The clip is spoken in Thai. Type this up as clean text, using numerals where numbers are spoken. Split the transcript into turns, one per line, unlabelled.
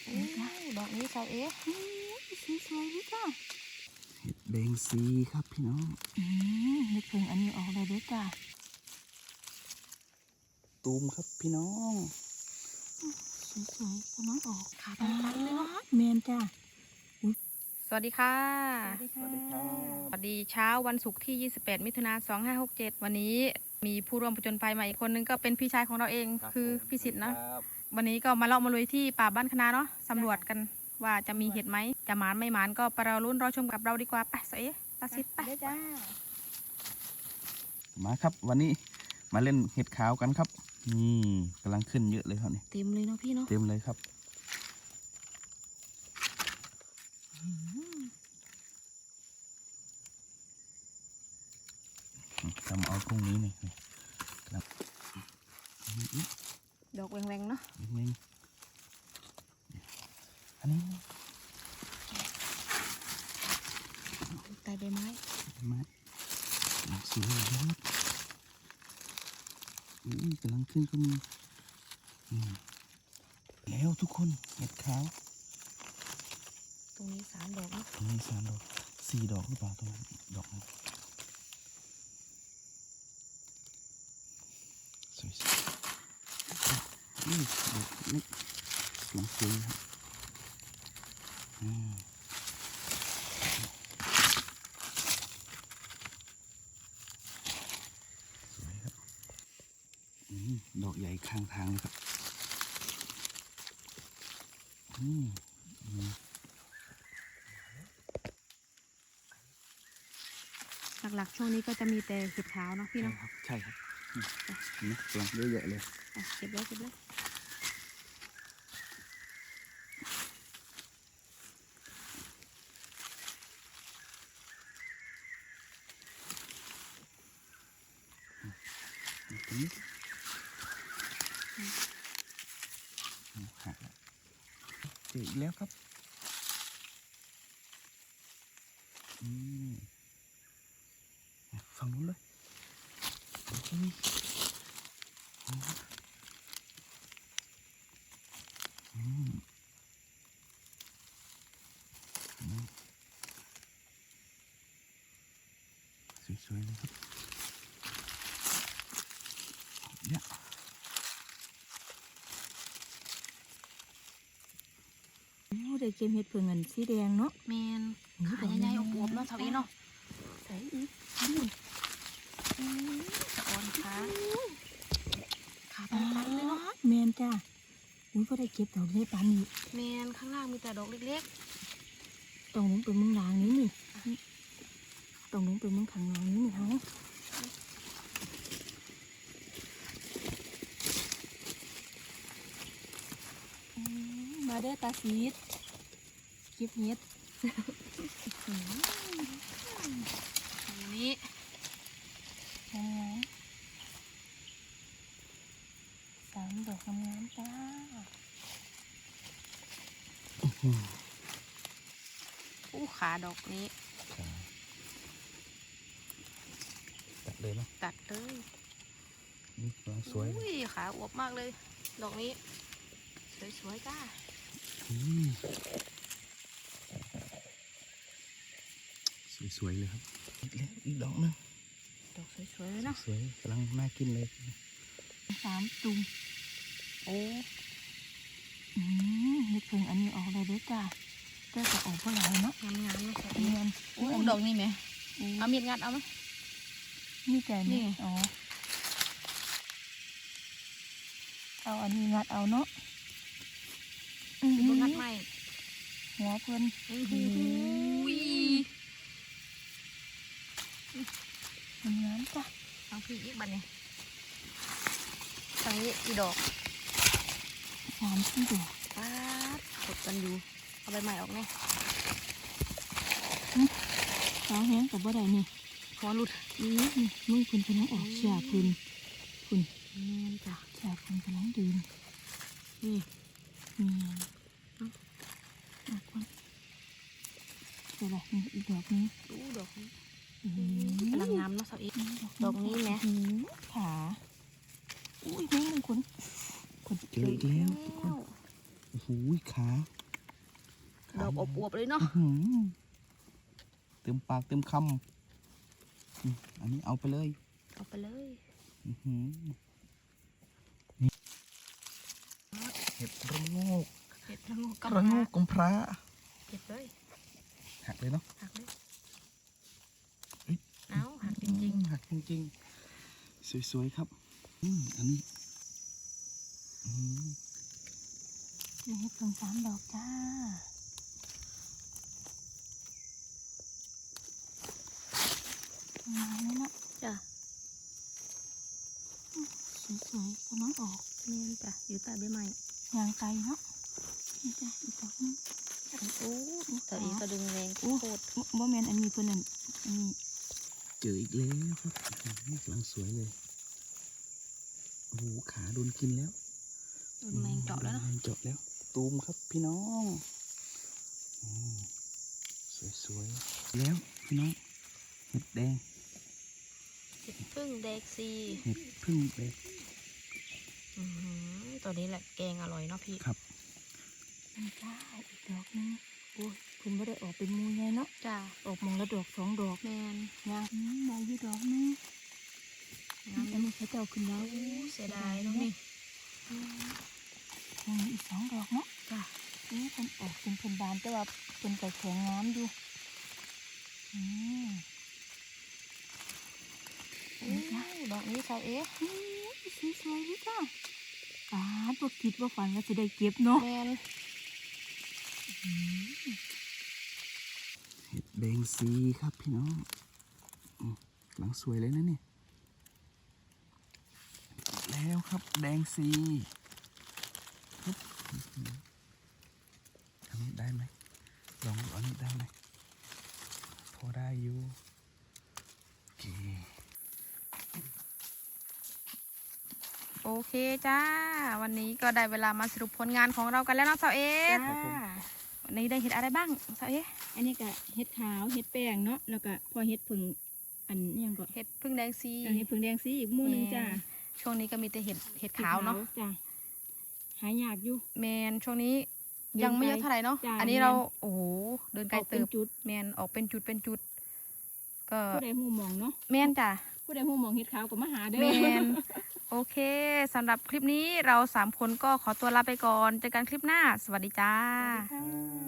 ดอกนี้เจ้าเอ๊ะสีสวยด้วยจ้า
เห็ดแดงซีครับพี่น้อง
นึกถึงอันนี้ออกเลยด้วยจ้า
ตูมครับพี่น้อง
สวยๆกำลังออกขาตั้งๆเลยเนาะเมนจ้าสวัสดีค่ะ
สวัสดีครับ
สวัสดีเช้าวันศุกร์ที่28มิถุนายน2567วันนี้มีผู้ร่วมผจญภัยมาอีกคนนึงก็เป็นพี่ชายของเราเองคือพี่สิทธิ์นะวันนี้ก็มาเลาะมาลุยที่ป่าบ้านคณะเนาะสำรวจกันว่าจะมีเห็ดไหมจะหมานไม่หมานก็ไปรอลุ้นรอชมกับเราดีกว่าไปเสียตาสิทธิ์ไปจ้า
มาครับวันนี้มาเล่นเห็ดขาวกันครับนี่กำลังขึ้นเยอะเลยครับนี่
เต็มเลยเนาะพี่เนาะ
เต็มเลยครับทำเอาพรุ่งนี้นี่ครับ
ดอกแหวงๆเนาะ
อันนี้
ใต้ใบไม้
สวยมากกำลังขึ้นก็มีแล้วทุกคนเห็ดขาว
ตรงนี้3 ดอกเนาะ
ตรงนี้3 ดอก4 ดอกหรือเปล่าตรงนั้นดอกนึงสวยดอกเล็กสวยครับสวยครับดอกใหญ่ข้างทางเลยครับ
หลักๆช่วงนี้ก็จะมีแต่เห็ดขาวเนาะพี่เนาะ
ใช่ครับนี่กำลังเยอะๆเลย
เก็บเลย
ตรงนี้หักเจออีกแล้วครับฝั่งนู้นเลยสวยๆเลยครับเนี่ย
ได้เก็บเห็ดเผือกเงินสีแดงเนาะแมนขาใหญ่ๆอวบๆเนาะเท่านี้เนาะใส่อีกสะออนขาตั้งๆเลยเนาะแมนจ้าพอได้เก็บดอกเล็กปานนี้แมนข้างล่างมีแต่ดอกเล็กๆตรงนู้นเป็นมึงด่างนี้นี่ตรงนู้นเป็นมึงขังล่างนี้นี่เขามาได้ตาสีดเก็บเห็ดนี้3 ดอกงามๆจ้าขาดอกนี้
ตัดเลยไหม
ตัดเลย
นี่สวย
ขาอวบมากเลยดอกนี้สวยๆจ้า
สวยๆเลยครับอีกดอกนึง
ดอกสวยๆเลยเนาะ
สวยกำลังน่ากินเลย
3 จุ่มนึกถึงอันนี้ออกเลยด้วยจ้าก็จะออกเท่าไหร่เนาะงามๆเนาะเงินดอกนี่ไหมเอามีดงัดเอาไหมมีแต่นี่อ๋อเอาอันนี้งัดเอาเนาะงัดไม่หัวเพิ่นน้ำจ้ะเอาพี่อีกบันเนี่ยทางนี้กี่ดอก3 4 ดอกป้ากดกันอยู่เอาใบใหม่ออกแน่สาวแห้งกับบ่ได้นี่พอหลุดมึงคุณกำลังออกฉาบคุณจ้ะฉาบคุณกำลังดื่มนี่คนเดี๋ยวอะไรอีกดอกนี้ดอกนี้กำลังงามเนาะสาวอีกดอกนี้ไหมขาอุ้ยแม่งคน
เจออีกแล้วทุกคนโอ้โหขา
ดอกอวบๆเลยเนาะ
อื้อหือเต็มปากเต็มคำอันนี้เอาไปเลย
เอาไปเลย
อื้อหือนี่เห็ดระโงก
เห็ดระโงก
ระโงกกำพร้า
เก็บเลย
หักเลยเนาะ
หักเลย
เอ้ย
เอาหักจริง
หักจริงๆสวยๆครับอันนี้อืม
ๆนี่เห็ดเพิ่ง3 ดอกจ้ามาเลยเนาะจ้ะสวยๆกำลังออกนี่จ้ะอยู่ใต้ใบไม้ยางไกลเนาะนี่จ้ะอีกดอกนึงโอ้แต่อีก็ดึงแรงโคตรบ่แม่นอันนี้เพิ่นนั่นอันนี้
เจออีกแล้วครับนี่กำลังสวยเลยโอ้โหขาโดนกินแล้ว
โดนแมงเจาะแล้วเนาะ
แมงเจาะแล้วตูมครับพี่น้องอืมสวยๆแล้วพี่น้องเห็ดแดง
เห็ดพึ่งแดกซี
เห็ดพึ่งแดง
ตัวนี้แหละแกงอร่อยเนาะพี่
ครับ
จ้าอีกดอกนึงโอ้ยเพิ่นไม่ได้ออกเป็นมูไงเนาะจ้าออกมองละดอก2 ดอกแมนยังมาอยู่ดอกนึงอันนี้เขาเจ้าขึ้นแล้วเสียดายเนาะนี่ยังมีอีก2 ดอกเนาะจ้านี่เพิ่นออกเป็นเพิ่นบานแต่ว่าเพิ่นก็แข็งงามอยู่นี่จ้าดอกนี้ใส่เอ๊ะสวยๆนี่จ้าบ่คิดว่าฝันว่าจะได้เก็บเนาะแมน
เห็ดแดงซีครับพี่น้องกำลังสวยเลยนะเนี่ยแล้วครับแดงซีปึ๊บอันนี้ได้ไหมลองดูอันนี้ได้ไหมพอได้อยู่โอเค
โอเคจ้า วันนี้ก็ได้เวลามาสรุปผลงานของเรากันแล้วเนาะสาวเอสวันนี้ได้เห็ดอะไรบ้างสาวเอส
อันนี้ก็เห็ดขาวเห็ดแป้งเนาะแล้วก็พอเห็ดผึ่งอันนี้ยังก็
เห็ดพึ่งแดงซี
เห็ดผึ่งแดงสีอีกหมู่หนึงจ้า
ช่วงนี้ก็มีแต่เห็ดขาวเนาะ
จ้าหายากอยู่
แมนช่วงนี้ยังไม่เยอะเท่าไหร่เนาะ
จ้ะ
อันนี้
แม่น
เราโอ้โหเดินไกล
ออกเป็
เติ
น
บ
จุด
แมนออกเป็นจุดก็
ผู้ใดหูมองเนาะ
แมนจ้ะ
ผู้ใดหูมองเห็ดขาวก็มาหาเด้อ
แมนโอเคสำหรับคลิปนี้เรา3 คนก็ขอตัวลาไปก่อนเจอกันคลิปหน้า สวัสดีจ้า
สวัสดีค่ะ